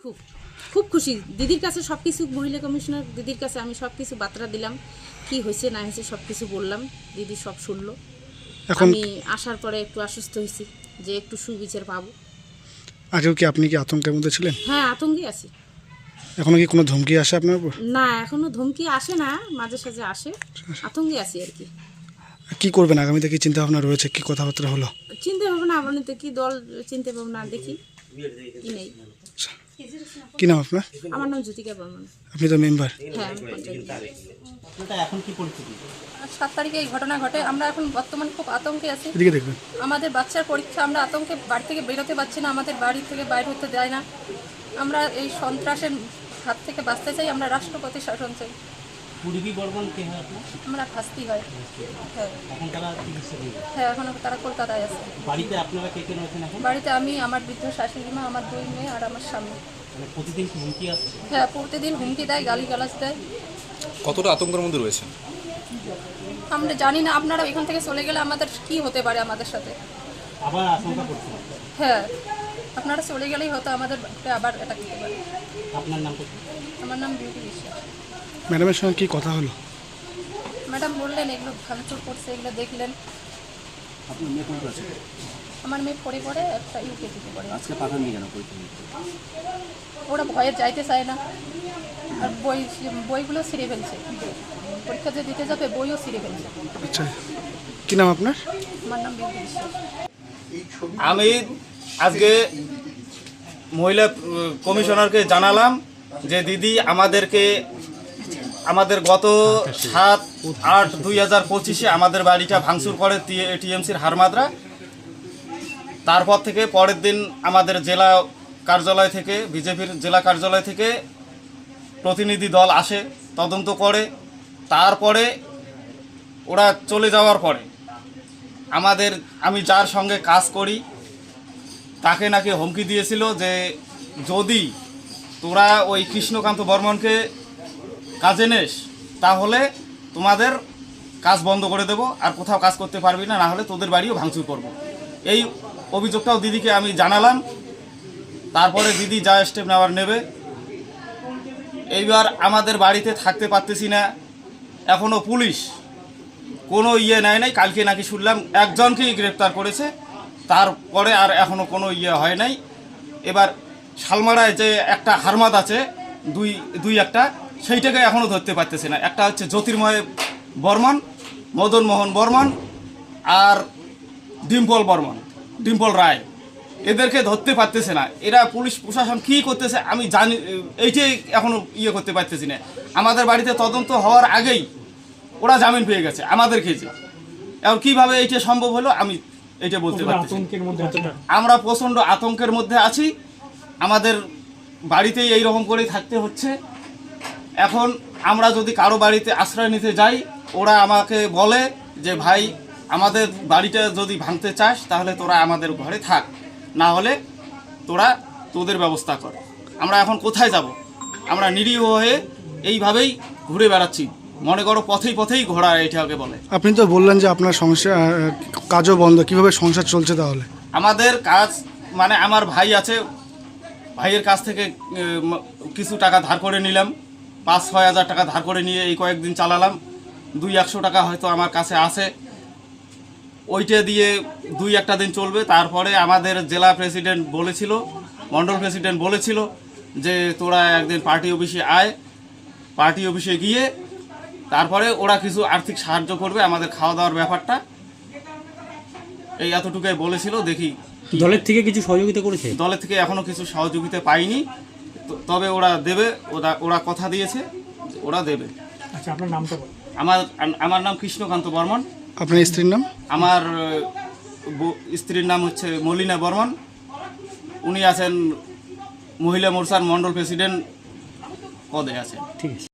খুব খুব খুশি। দিদির কাছে সব কিছু, মহিলা কমিশনার দিদির কাছে আমি সব কিছু বার্তা দিলাম, কি হয়েছে না হয়েছে সব কিছু বললাম, দিদি সব শুনলো। আমি আসার পরে একটু আশ্বস্ত হয়েছি যে একটু সুবিচার পাবো। আগেও কি আপনি কি আতঙ্কের মধ্যে ছিলেন? হ্যাঁ, আতঙ্কে আছি। এখনো কি কোনো ধমকি আসে আপনার উপর? না, এখনো ধমকি আসে না, মাঝে সাঝে আসে, আতঙ্কে আছি আর কি। কি করবেন আগামীতে, কি চিন্তা ভাবনা রয়েছে, কি কথাবার্তা হলো? চিন্তা ভাবনা আমাদের তো কি দল চিন্তা ভাবনা দেখি কি নেই। কি নাম আপনার? আমার নাম জ্যোতিকা বর্মন। আপনি তো মেম্বার। হ্যাঁ, আমি পঞ্চায়েত। এখন কি পরিস্থিতি? 7 তারিখে এই ঘটনা ঘটে। আমরা এখন বর্তমান খুব আতঙ্কে আছি। এদিকে দেখবেন। আমাদের বাচ্চার পরীক্ষা, আমরা আতঙ্কে বাড়ি থেকে বেরোতে পারছি না, আমাদের বাড়ি থেকে বাইরে হতে দেয় না। আমরা এই সন্ত্রাসের হাত থেকে বাঁচতে চাই, আমরা রাষ্ট্রপতি শাসন চাই। পূর্বী বর্মন কে হয় আপনার? আমরা ফাঁসতি হয়। হ্যাঁ এখন তারা চিকিৎসা দিবে? হ্যাঁ, এখন তারা কলকাতায় আছে। বাড়িতে আপনারা কে কে রয়েছেন এখন? বাড়িতে আমি, আমার বৃদ্ধ শাশুড়ি মা, আমার 2 মেয়ে আর আমার স্বামী। মানে প্রতিদিন কি হুমকি আসছে? হ্যাঁ, প্রতিদিন হুমকি দেয়, গালিগালাজ দেয়। কতটা আতঙ্কের মধ্যে রয়েছেন? আমরা জানি না আপনারা এখান থেকে চলে গেলে আমাদের কি হতে পারে আমাদের সাথে। আবার আশঙ্কা করছেন? হ্যাঁ, আপনারা চলে গেলেই হয়তো আমাদের আবার অ্যাটাক করতে পারে। আপনার নাম কি? আমার নাম বিউটি বিশ্বাস। ম্যাডামের সঙ্গে কি কথা হলো? ম্যাডাম বললেন এগুলো ভাঙচুর করছে, এগুলো দেখলেন। আপনার মেয়ে কোন ক্লাসে? আমার মেয়ে পড়ে পড়ে একটা ইউকেজিতে পড়ে। আজকে পাঠাননি কেন পরীক্ষা? ওরা ভয়ে যাইতে চায় না, আর বইগুলো ছিঁড়ে ফেলছে। পরীক্ষা যে দিতে যাবে বইও ছিঁড়ে ফেলছে। আচ্ছা, কি নাম আপনার? আমার নাম বিউটি বিশ্বাস। আমি আজকে মহিলা কমিশনারকে জানালাম যে দিদি আমাদের গত 7/8/2025 আমাদের বাড়িটা ভাঙচুর করে টিএমসির হারমাদরা। তারপর থেকে পরের দিন আমাদের জেলা কার্যালয় থেকে, বিজেপির জেলা কার্যালয় থেকে প্রতিনিধি দল আসে, তদন্ত করে। তারপরে ওরা চলে যাওয়ার পরে আমি যার সঙ্গে কাজ করি তাকে নাকি হুমকি দিয়েছিল যে যদি তোরা ওই কৃষ্ণকান্ত বর্মনকে কাজে নেস তাহলে তোমাদের কাজ বন্ধ করে দেব, আর কোথাও কাজ করতে পারবি না, না হলে তোদের বাড়িও ভাঙচুর করব। এই অভিযোগটাও দিদিকে আমি জানালাম। তারপরে দিদি যা স্টেপ নেওয়ার নেবে। এইবার আমাদের বাড়িতে থাকতে পারতেছি না, এখনও পুলিশ কোনো নেয় নাই। কালকে নাকি শুনলাম একজনকেই গ্রেপ্তার করেছে, তারপরে আর এখনও কোনো হয় নাই। এবার শালমারায় যে একটা হারমাদ আছে, দুই একটা, সেইটাকে এখনও ধরতে পারতেছে না। একটা হচ্ছে জ্যোতির্ময় বর্মন, মদন মোহন বর্মন আর ডিম্পল রায়, এদেরকে ধরতে পারতেছে না। এরা পুলিশ প্রশাসন কী করতেছে আমি জানি, এইটাই এখনও করতে পারতেছি না। আমাদের বাড়িতে তদন্ত হওয়ার আগেই ওরা জামিন পেয়ে গেছে আমাদের কেজে। এখন কীভাবে এইটা সম্ভব হলো আমি এইটা বলতে পারছি। আমরা প্রচণ্ড আতঙ্কের মধ্যে আছি, আমাদের বাড়িতেই এইরকম করেই থাকতে হচ্ছে। এখন আমরা যদি কারো বাড়িতে আশ্রয় নিতে যাই, ওরা আমাকে বলে যে ভাই আমাদের বাড়িটা যদি ভাঙতে চাস তাহলে তোরা আমাদের ঘরে থাক, না হলে তোদের ব্যবস্থা কর। আমরা এখন কোথায় যাব? আমরা নিরীহ হয়ে এইভাবেই ঘুরে বেড়াচ্ছি, মনে করো পথেই ঘোড়া এটাকে বলে। আপনি তো বললেন যে আপনার কাজও বন্ধ, কিভাবে সংসার চলছে তাহলে? আমাদের কাজ মানে আমার ভাই আছে, ভাইয়ের কাছ থেকে কিছু টাকা ধার করে নিলাম, 5-6 হাজার টাকা ধার করে নিয়ে এই কয়েকদিন চালালাম। 200-100 টাকা হয়তো আমার কাছে আছে, ওইটা দিয়ে 2-1 দিন চলবে। তারপরে আমাদের জেলা প্রেসিডেন্ট বলেছিল, মণ্ডল প্রেসিডেন্ট বলেছিল যে তোরা একদিন পার্টি অফিসে আয়, পার্টি অফিসে গিয়ে তারপরে ওরা কিছু আর্থিক সাহায্য করবে আমাদের খাওয়া দাওয়ার ব্যাপারটা, এই এতটুকুই বলেছিল। দেখি দলের থেকে কিছু সহযোগিতা করেছে? দলের থেকে এখনো কিছু সহযোগিতা পাইনি, তবে ওরা দেবে, ওরা কথা দিয়েছে ওরা দেবে। আচ্ছা, আপনার নামটা বলুন। আমার নাম কৃষ্ণকান্ত বর্মন। আপনার স্ত্রীর নাম? আমার স্ত্রীর নাম হচ্ছে মলিনা বর্মন। উনি আছেন মহিলা মোর্চার মণ্ডল প্রেসিডেন্ট পদে আছেন। ঠিক আছে।